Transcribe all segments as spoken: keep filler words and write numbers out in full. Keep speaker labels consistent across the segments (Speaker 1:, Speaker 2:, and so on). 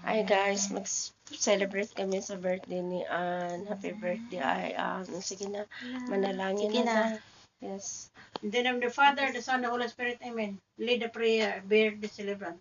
Speaker 1: Hi guys, mag-celebrate kami sa birthday ni Ann. Happy birthday, ay Ann. Sige na, manalangin
Speaker 2: Sige
Speaker 1: na.
Speaker 2: na.
Speaker 1: na. Yes.
Speaker 3: In the name of the Father, the Son, the Holy Spirit, Amen. Lead the prayer, bear the celebrant.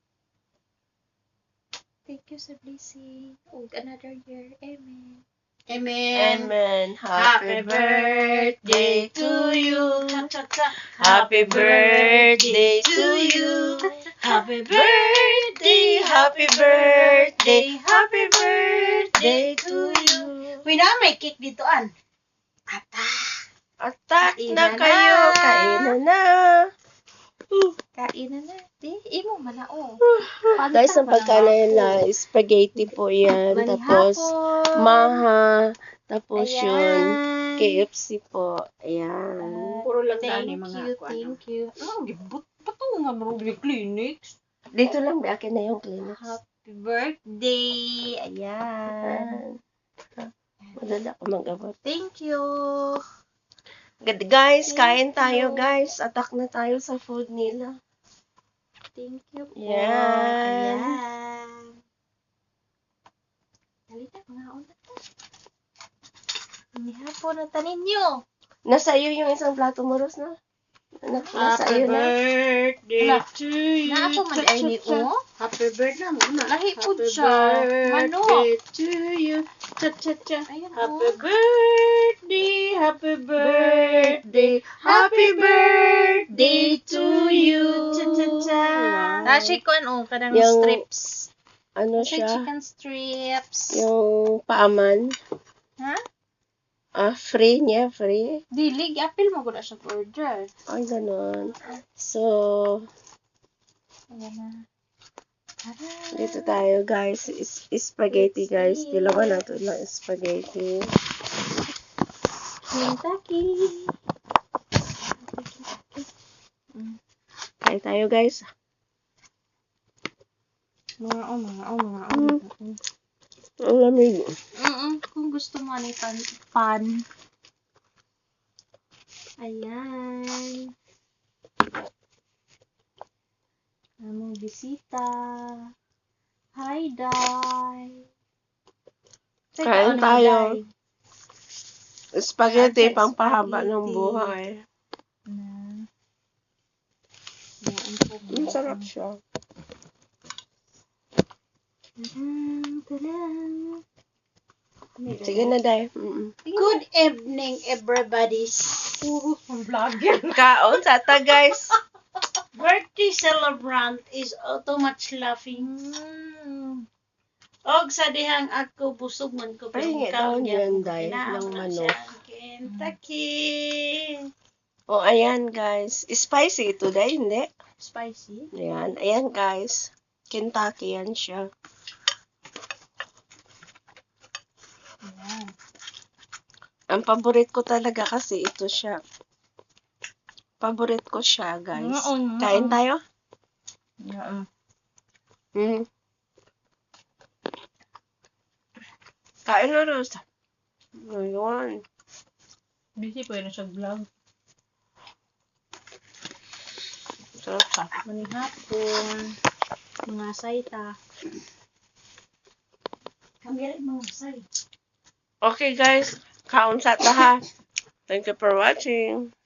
Speaker 2: Thank you sa blessing. Og another year. Amen.
Speaker 3: Amen.
Speaker 1: Amen.
Speaker 3: Happy birthday to you.
Speaker 1: Happy birthday to you.
Speaker 3: Happy
Speaker 1: Birthday, happy birthday, happy birthday to you.
Speaker 3: Uy na, may cake dito, An. Ata.
Speaker 1: Attack na
Speaker 3: Kainan
Speaker 1: kayo,
Speaker 3: na.
Speaker 1: kainan na.
Speaker 2: Kain na na. Di, imo man na oh.
Speaker 1: Guys, ang pagkain na spaghetti po yan. Tapos, maha. Tapos yun, K F C po. Ayan.
Speaker 3: Puro lang
Speaker 2: Thank
Speaker 3: daan yung mga
Speaker 2: you,
Speaker 3: ako,
Speaker 2: thank
Speaker 3: ano.
Speaker 2: you.
Speaker 3: Oh, gibot pa to nga marunong clinics.
Speaker 1: Dito lang, may akin na yung clinics.
Speaker 2: Happy birthday. Ayan.
Speaker 1: Ayan. Madala ko mag-abot.
Speaker 2: Thank you.
Speaker 1: Good guys,
Speaker 2: Thank
Speaker 1: kain tayo
Speaker 2: you.
Speaker 1: guys. Attack na tayo sa food nila.
Speaker 2: Thank you po.
Speaker 1: Yan.
Speaker 2: Ayan. Halika, mga una to. Inihapon na tanin nyo.
Speaker 1: Nasa iyo yung isang plato mo, Ros, na? Anak, nasa
Speaker 3: Happy
Speaker 1: iyo na.
Speaker 3: birthday
Speaker 2: Wala.
Speaker 3: to you.
Speaker 2: Na ako man ay ni o.
Speaker 3: Happy birthday na muna.
Speaker 2: Lahi po
Speaker 3: Happy
Speaker 2: siya. Manok.
Speaker 3: birthday to you. Cha cha cha.
Speaker 2: Ayan
Speaker 3: Happy
Speaker 2: o.
Speaker 3: birthday, happy birthday, happy birthday to you. Cha cha cha.
Speaker 2: Nashi ko ano, kanang
Speaker 1: Yung-
Speaker 2: strips.
Speaker 1: Ano
Speaker 2: Nasa
Speaker 1: siya?
Speaker 2: chicken strips.
Speaker 1: Yung paaman.
Speaker 2: Ha?
Speaker 1: Ah, free niya, free.
Speaker 2: Dili, apil mo ko na siya order.
Speaker 1: Ay, ganun. So,
Speaker 2: Ayan na. Tara.
Speaker 1: dito tayo guys. Is spaghetti guys. Dalawa na ito lang spaghetti.
Speaker 2: Kentucky.
Speaker 1: Kain tayo guys.
Speaker 2: Mga o, mga o, mga o.
Speaker 1: Mm. Ang lamig.
Speaker 2: Mm kung gusto mo ano pan, pan. Ayan. Among bisita. Hi, Day. Teka,
Speaker 1: Kain
Speaker 2: ano,
Speaker 1: tayo.
Speaker 2: Day?
Speaker 1: Spaghetti,
Speaker 2: Ay,
Speaker 1: pangpahaba
Speaker 2: spaghetti.
Speaker 1: ng buhay.
Speaker 2: Na. Yan po.
Speaker 1: Ang sarap siya.
Speaker 2: Tadam, tadam.
Speaker 1: Sige na, Day. Mm-mm.
Speaker 3: Good evening, everybody. Puro ang vlogger.
Speaker 1: Kaon sa ta, guys.
Speaker 3: Birthday celebrant is oh, too much laughing.
Speaker 2: Mm.
Speaker 3: Og sa dihang ako busog man ko
Speaker 1: Ay, nga daw yan, Day, ng manok.
Speaker 3: Kentucky.
Speaker 1: O, ayan, guys. Spicy ito, Day, hindi?
Speaker 2: Spicy.
Speaker 1: Ayan. Ayan, guys. Kentucky yan siya.
Speaker 2: Ayan.
Speaker 1: Ang paborit ko talaga kasi ito siya. Paborit ko siya, guys.
Speaker 2: Mm, mm,
Speaker 1: Kain
Speaker 2: mm.
Speaker 1: tayo?
Speaker 2: Yeah.
Speaker 1: Mm. Kain na, Ros. Ayun.
Speaker 2: Busy po yun sa vlog.
Speaker 1: Sarap siya.
Speaker 2: Maning hapon. Mga saita.
Speaker 3: Kami mo say.
Speaker 1: Okay, guys. Kaon sa ta, ha. Thank you for watching.